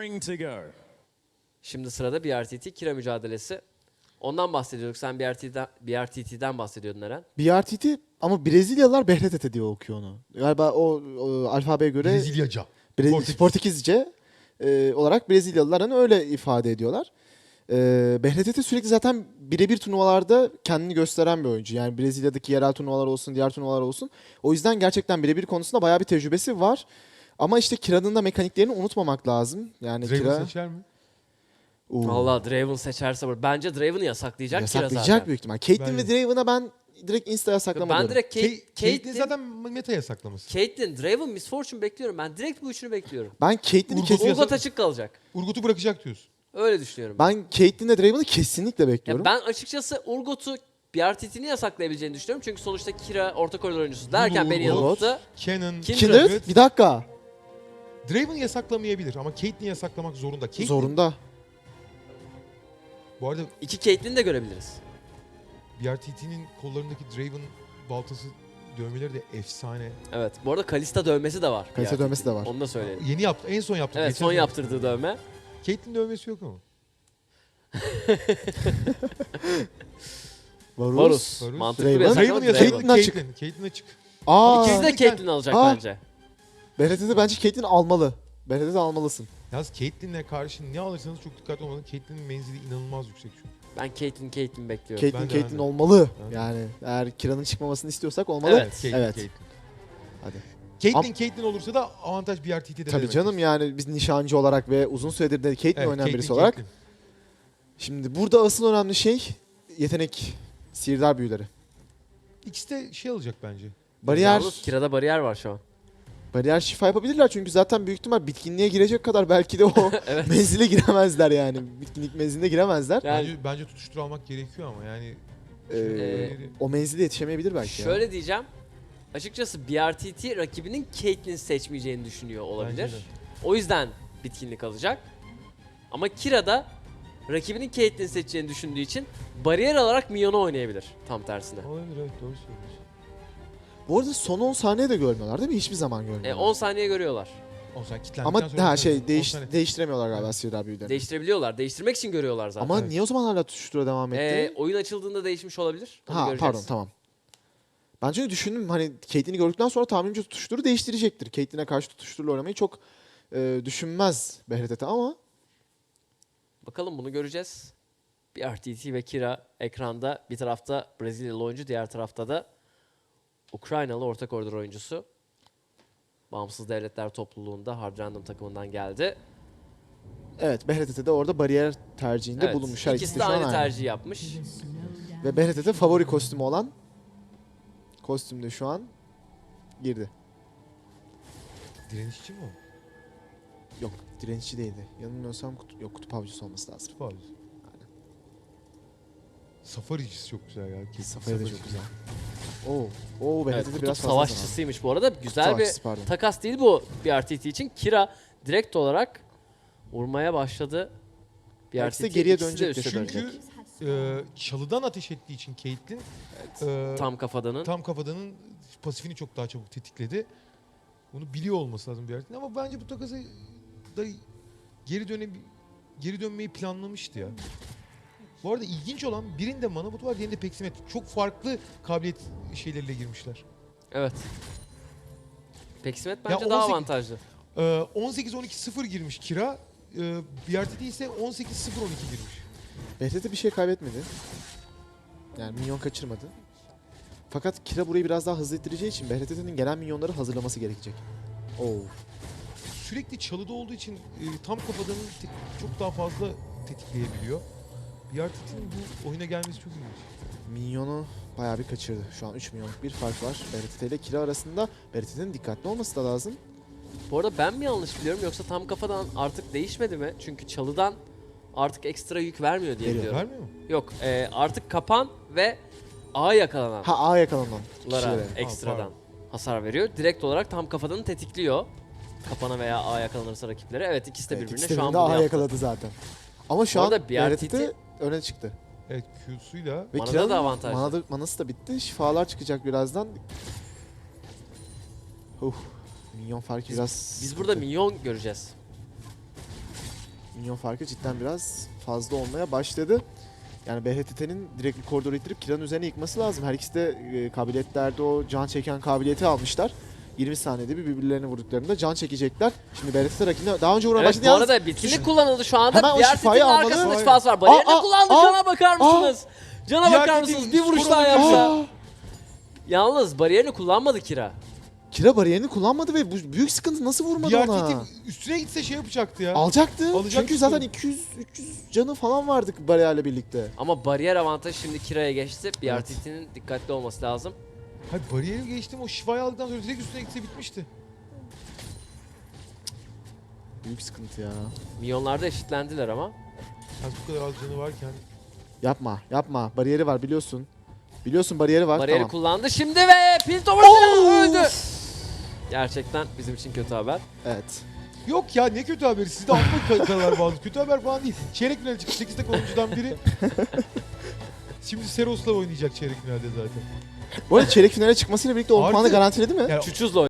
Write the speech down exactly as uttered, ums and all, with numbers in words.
raring to go. Şimdi sırada B R T T Kira mücadelesi. Ondan bahsediyorduk. Sen B R T T'den, B R T T'den bahsediyordun Eren. B R T T ama Brezilyalılar Behretete diye okuyor onu. Galiba o, o alfabeye göre Brezilyaca. Bre- Portekiz. Portekizce e, olarak Brezilyalılar hani öyle ifade ediyorlar. E, Behretete sürekli zaten birebir turnuvalarda kendini gösteren bir oyuncu. Yani Brezilya'daki yerel turnuvalar olsun, diğer turnuvalar olsun. O yüzden gerçekten birebir konusunda bayağı bir tecrübesi var. Ama işte Kira'nın da mekaniklerini unutmamak lazım. Yani Draven Kira seçer mi? Oo, Valla Draven seçerse bu- bence Draven'ı yasaklayacak Kira yasaklayacak zaten. büyük ihtimal. Caitlyn ve Bence. Draven'a ben direkt insta yasaklama Ben diyorum. direkt Kate, Kate, Caitlyn Caitlyn, zaten meta yasaklaması. Caitlyn, Draven, Miss Fortune bekliyorum. Ben direkt bu üçünü bekliyorum. Ben Caitlyn'i Urgot kesin... yasak- Urgot açık kalacak. Urgot'u bırakacak diyorsun. Öyle düşünüyorum. Ben, Ben Caitlyn'le Draven'ı kesinlikle bekliyorum. ben açıkçası Urgot'u B R T T'ni yasaklayabileceğini düşünüyorum. Çünkü sonuçta Kira orta koridor oyuncusu derken beni Urgot. yanılttı. Canon, Kindred. Kindred, bir dakika. Draven yasaklamayabilir ama Caitlyn'i yasaklamak zorunda. Caitlyn, Zorunda. Bu arada İki Caitlyn'i de görebiliriz. B R T T'nin kollarındaki Draven baltası dövmeleri de efsane. Evet. Bu arada Kalista dövmesi de var. Kalista B R T T'nin. dövmesi de var. Onu da söyleyelim. Yeni yaptı. En son yaptı. Evet, Geçen son sene. yaptırdığı dövme. Caitlyn dövmesi yok ama. Varus. Varus. Varus. Mantıklı bir Draven. yasak ama Draven Draven. yasak. Caitlyn Caitlyn açık. açık. Caitlyn açık. Aa, İkisi de Aa. Caitlyn alacak Aa. bence. Behretete bence Caitlyn almalı. Behretete almalısın. Yalnız Caitlyn'le karşı ne alırsanız çok dikkatli olmalısınız. Caitlyn'in menzili inanılmaz yüksek çünkü. Ben Caitlyn, Caitlyn bekliyorum. Caitlyn, Ben de, Caitlyn ben de. olmalı. Ben de. Yani eğer Kira'nın çıkmamasını istiyorsak olmalı. Evet. Caitlyn, Evet. Caitlyn. Hadi. Caitlyn, Caitlyn olursa da avantaj B R T T'de. Tabii canım yani biz nişancı olarak ve uzun süredir de Caitlyn oynayan birisi olarak. Şimdi burada asıl önemli şey yetenek, sihirdar büyüleri. İkisi de şey alacak bence. Bariyer, Yalnız Kira'da bariyer var şu an. bariyer şifa yapabilirler çünkü zaten büyük ihtimal bitkinliğe girecek kadar belki de o Evet. menzile giremezler yani. Bitkinlik menziline giremezler. Yani Bence, bence tutuştur almak gerekiyor ama yani. Ee, Ee, o menzile yetişemeyebilir belki ya. şöyle diyeceğim. Açıkçası B R T T rakibinin Caitlyn seçmeyeceğini düşünüyor olabilir. Bence de. O yüzden bitkinlik alacak. Ama Kira da rakibinin Caitlyn seçeceğini düşündüğü için bariyer alarak Minyon'u oynayabilir tam tersine. Olabilir, evet, doğru söylüyorsun. Bu arada son on saniye de görmüyorlar değil mi? Hiçbir zaman görmüyorlar. E, on saniye görüyorlar. O zaman kilitlendikten Ama sonra ha on şey saniye- değiş, on saniye. değiştiremiyorlar galiba sihirdar büyülerini. Değiştirebiliyorlar. Değiştirmek için görüyorlar zaten. Ama Evet. niye o zaman hala tutuştura devam etti? E, oyun açıldığında değişmiş olabilir. Onu ha göreceğiz. pardon tamam. Ben çünkü düşündüm hani Caitlyn'i gördükten sonra tahminimce tutuşturu değiştirecektir. Caitlyn'e karşı tutuşturla oynamayı çok e, düşünmez Behretete ama Bakalım bunu göreceğiz. B R T T ve Kira ekranda. Bir tarafta Brezilyalı oyuncu, diğer tarafta da Ukraynalı orta koridor oyuncusu. Bağımsız Devletler Topluluğu'nda Hard Random takımından geldi. evet Behretete de orada bariyer tercihinde Evet, bulunmuş. Her İkisi ikisi de şu an aynı aynı. tercihi yapmış. Ve Behretete favori kostümü olan kostümde şu an girdi. Direnişçi mi o? Yok direnişçi değildi. Yanılmıyorsam kutu, yok kutup avcısı olması lazım. Tutup abi. Safaricisi çok güzel ya. Caitlyn Safari de çok Safaricisi. güzel. Oo, oo Evet, Behretete kutup biraz fazla zaman. savaşçısıymış bu arada. Güzel Savaşçısı, bir pardon. takas değil bu B R T T için. Kira direkt olarak vurmaya başladı. B R Belki de T T geriye ikisi de dönecektir. üste Çünkü dönecek. e, çalıdan ateş ettiği için Caitlyn e, Tam kafadanın. tam kafadanın pasifini çok daha çabuk tetikledi. Bunu biliyor olması lazım bir yerden ama bence bu takası da geri döne geri dönmeyi planlamıştı ya. Bu arada ilginç olan birinde mana botu var, diğerinde peksimet. Çok farklı kabiliyet şeyleriyle girmişler. Evet. Peksimet Ya bence daha on sekiz avantajlı. Ee, on sekiz on iki sıfır girmiş Kira. Ee, B R T T ise on sekiz sıfır on iki girmiş. Behretete bir şey kaybetmedi. Yani minyon kaçırmadı. Fakat Kira burayı biraz daha hızlı ittireceği için Behretete'nin gelen minyonları hazırlaması gerekecek. Oo. Sürekli çalıda olduğu için e, tam kafadanın te- çok daha fazla tetikleyebiliyor. B R T T'nin bu oyuna gelmesi çok ilginç. Minyonu bayağı bir kaçırdı. Şu an üç milyonluk bir fark var Behretete ile Kira arasında. Behretete'nin dikkatli olması da lazım. Bu arada ben mi yanlış biliyorum yoksa tam kafadan artık değişmedi mi? Çünkü çalıdan artık ekstra yük vermiyor diye Veriyor. biliyorum. Vermiyor mu? Yok, e, artık kapan ve A yakalananlara Ha A yakalanan kişilere. ekstradan pardon. hasar veriyor. Direkt olarak tam kafadanı tetikliyor. Kapana veya A yakalanırsa rakiplere. Evet, ikisi de Evet, birbirine ikisi de şu an birbirine bunu A yaptı. yakaladı zaten. Ama şu Bu an arada B R T T Behretete öne çıktı. Evet, Q'suyla. Ve Manada Kira'nın da avantajlı. manada- manası da bitti. Şifalar çıkacak birazdan. Huh. Minyon farkı biraz Biz sıkıntı. burada minyon göreceğiz. Minyon farkı cidden biraz fazla olmaya başladı. Yani B H T T'nin direkt bir koridoru ittirip Kira'nın üzerine yıkması lazım. Her ikisi de e, kabiliyetlerde o can çeken kabiliyeti almışlar. yirmi saniyede bir birbirlerine vurduklarında can çekecekler. Şimdi B H T T rakibine daha önce vuran Evet başladı. bu Yalnız arada bitkinlik şu- kullanıldı şu anda. Hemen o Diğer şifayı Tit'in almalı. arkasında Şifayı- şifası var. Bariyerine Aa, aa, kullandı. aa, Cana bakar mısınız? Cana Diğer bakar Tit'in mısınız? Bir vuruş skor daha alabilir. yapsa. Aa! Yalnız bariyerini kullanmadı Kira. Kira bariyerini kullanmadı ve bu büyük sıkıntı, nasıl vurmadı Diğer ona? Titi üstüne gitse şey yapacaktı ya. Alacaktı. Alacaktı Çünkü zaten sonra. iki yüz üç yüz canı falan vardı bariyerle birlikte. Ama bariyer avantajı şimdi Kira'ya geçti. B R Evet. T T'nin dikkatli olması lazım. Hayır bariyeri geçtim, o şifayı aldıktan sonra direkt üstüne gitse bitmişti. Büyük sıkıntı ya. Milyonlarda eşitlendiler ama. Az bu kadar az canı varken. Yapma, yapma. Bariyeri var biliyorsun. Biliyorsun bariyeri var. Bariyeri tamam. kullandı şimdi ve Piltover Oo! öldü. Gerçekten bizim için kötü haber. Evet. Yok ya, ne kötü haberi, sizde atma kadar bazı. Kötü haber falan değil. Çeyrek finale çıktı, sekiz tek oyuncudan biri. Şimdi Seros'la oynayacak çeyrek finalde zaten. Bu arada çeyrek finale çıkmasıyla birlikte on Artı- puanı garantiledi mi? Yani Çuçuz'la